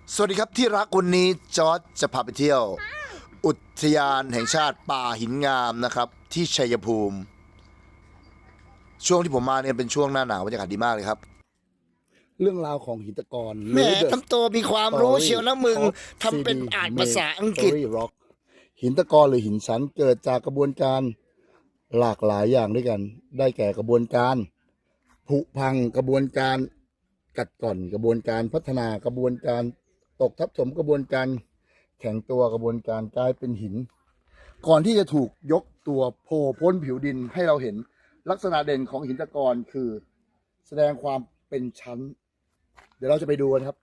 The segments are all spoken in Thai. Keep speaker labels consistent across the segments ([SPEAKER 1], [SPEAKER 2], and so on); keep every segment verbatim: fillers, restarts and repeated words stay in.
[SPEAKER 1] สวัสดีครับที่รักวันนี้จอร์จจะพาไปเที่ยว อุทยานแห่งชาติป่าหินงามนะครับที่ชัยภูมิ ช่วงที่ผมมาเนี่ยเป็นช่วงหน้าหนาวบรรยากาศดีมากเลยครับ
[SPEAKER 2] เรื่องราวของหินตะกอน
[SPEAKER 1] แหมทำตัวมีความรู้เชียวนะมึงทำเป็นอ่านภาษาอังกฤษ
[SPEAKER 2] ร็อกหินตะกอนหรือหินชั้นเกิดจากกระบวนการหลากหลายอย่างด้วยกัน ได้แก่กระบวนการผุพังกระบวนการกัดก่อนกระบวนการพัฒนากระบวนการตกทับถมกระบวนการแข็งตัวกระบวนการกลายเป็นหิน ก่อนที่จะถูกยกตัวโผล่พ้นผิวดินให้เราเห็นลักษณะเด่นของหินตะกอนคือ แสดงความเป็นชั้น เดี๋ยวเราจะไปดูกันครับ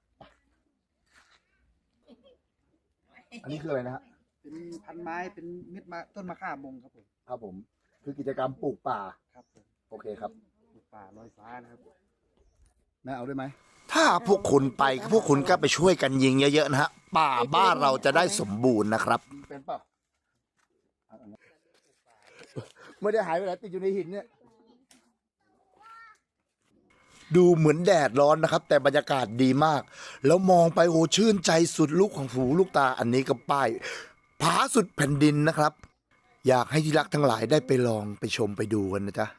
[SPEAKER 2] อันนี้คืออะไรนะฮะ
[SPEAKER 3] เป็นพันไม้เป็นเม็ดมะต้นมะข่ามงครับผม
[SPEAKER 2] ครับผม คือกิจกรรมปลูกป่า
[SPEAKER 3] ครับผม
[SPEAKER 2] โอเคครับ
[SPEAKER 3] ปลูกป่าลอยฟ้านะครับ
[SPEAKER 2] แม่เอาด้วยไหม
[SPEAKER 1] ถ้าพวกคุณไปพวกคุณก็ไปช่วยกันยิงเยอะๆนะฮะป่าบ้านเราจะได้สมบูรณ์นะครับ
[SPEAKER 2] เป็นเปล่าไม่ได้หายไปไหนติดอยู่ในหินเนี่ย
[SPEAKER 1] ดูเหมือนแดดร้อนนะครับ แต่บรรยากาศดีมาก แล้วมองไปโอ้ชื่นใจสุดลูกของหูลูกตาอันนี้ก็ป้ายผาสุดแผ่นดินนะครับ อยากให้ที่รักทั้งหลายได้ไปลองไปชมไปดูกันนะจ๊ะ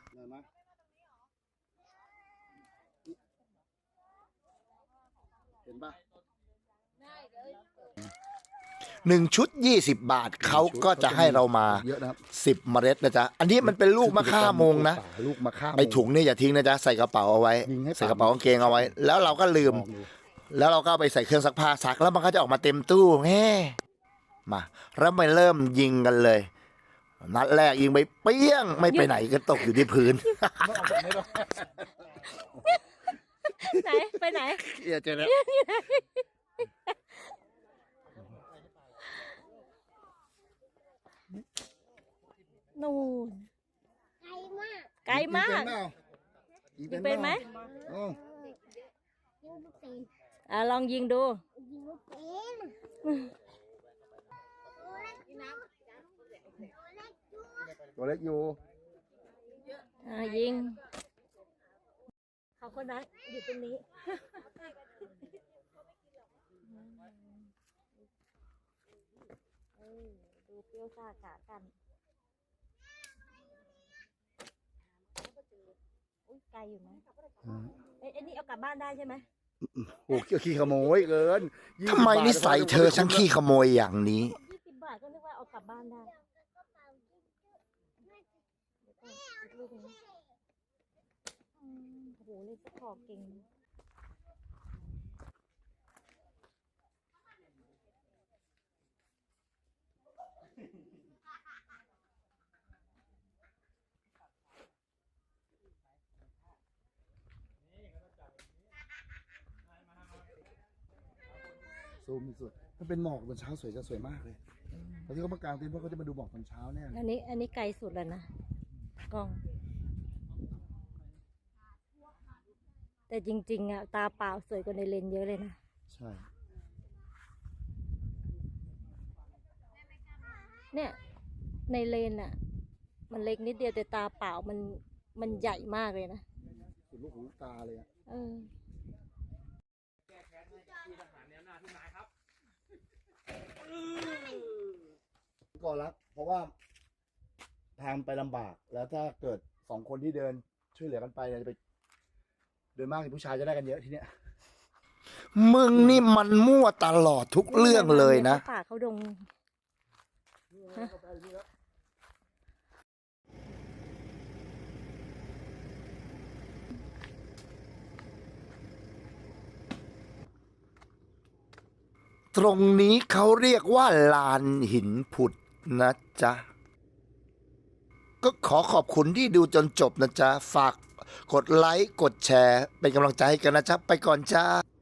[SPEAKER 2] เห็นปะ
[SPEAKER 1] หนึ่งชุดยี่สิบบาทเขาก็จะให้เรามา
[SPEAKER 2] เยอะนะครับ
[SPEAKER 1] สิบเมล็ดนะจ๊ะอันนี้มันเป็นลูกมะข่าโมงนะ
[SPEAKER 2] ลูกมะข่าโมง
[SPEAKER 1] ไปถุงนี่อย่าทิ้งนะจ๊ะใส่กระเป๋าเอาไว้
[SPEAKER 2] ยิงให้
[SPEAKER 1] ใส่กระเป๋ากางเกงเอาไว้ แล้วเราก็ลืม
[SPEAKER 2] ลองดู
[SPEAKER 1] แล้วเราก็เอาไปใส่เครื่องซักผ้าซักแล้วมันก็จะออกมาเต็มตู้แฮ่มาแล้วไปเริ่มยิงกันเลย นัดแรกยิงไปเปี้ยงไม่ไปไหนก็ตกอยู่ที่พื้น
[SPEAKER 4] ไหนไปไหน
[SPEAKER 2] เอียเจอแล้ว
[SPEAKER 4] นู่นไกลมาก
[SPEAKER 2] ยิง
[SPEAKER 4] ยิงเป็นไหม
[SPEAKER 2] โอ้
[SPEAKER 4] อ่ะลองยิงดู
[SPEAKER 2] ตัวเล็กอยู่
[SPEAKER 4] อ่ะยิงเขาคนนั้นอยู่ตรงนี้ เออดูเปรี้ยวซ่าขากันอุ้ยไกลอยู่นะเอ้ยอันนี้เอากลับบ้านได้ใช่ไหม
[SPEAKER 2] โอ้ขี้ขโมยเกิน
[SPEAKER 1] ทำไมนิสัยเธอช่างขี้ขโมยอย่างนี้
[SPEAKER 4] ยี่สิบบาทก็นึกว่าเอากลับบ้านได้เดี๋ยวก่อนอีกลูกหนึ่งอืมโอ้โหเล่นสะขอเก่ง
[SPEAKER 2] ซูมสุดถ้าเป็นหมอกตอนเช้าสวยจะสวยมากเลยตอนที่เขามากางเต็นท์เพราะเขาจะมาดูหมอกตอนเช้าแน่
[SPEAKER 4] อันนี้อันนี้ไกลสุดแล้วนะกล้อง แต่จริงๆอ่ะตาเปล่าสวยกว่าในเลนส์เยอะเลยนะ
[SPEAKER 2] ใช่
[SPEAKER 4] เนี่ยในเลนส์อ่ะ มันเล็กนิดเดียวแต่ตาเปล่ามันมันใหญ่มากเลยนะ
[SPEAKER 2] สุดลูกหูลูกตาเลยอะ
[SPEAKER 4] เออ
[SPEAKER 2] ก่อนรักเพราะว่าทางไปลำบากแล้วถ้าเกิดสองคนที่เดินช่วยเหลือกันไปเนี่ยจะไปโดยมากผู้ชายจะได้กันเยอะทีเนี้ย
[SPEAKER 1] มึงนี่มันมั่วตลอดทุกเรื่องเลยนะ
[SPEAKER 4] เขาป่าเขาดง
[SPEAKER 1] ตรงนี้เขาเรียกว่าลานหินผุดนะจ๊ะ ก็ขอขอบคุณที่ดูจนจบนะจ๊ะ ฝากกดไลค์ กดแชร์ เป็นกำลังใจให้กันนะจ๊ะ ไปก่อนจ้า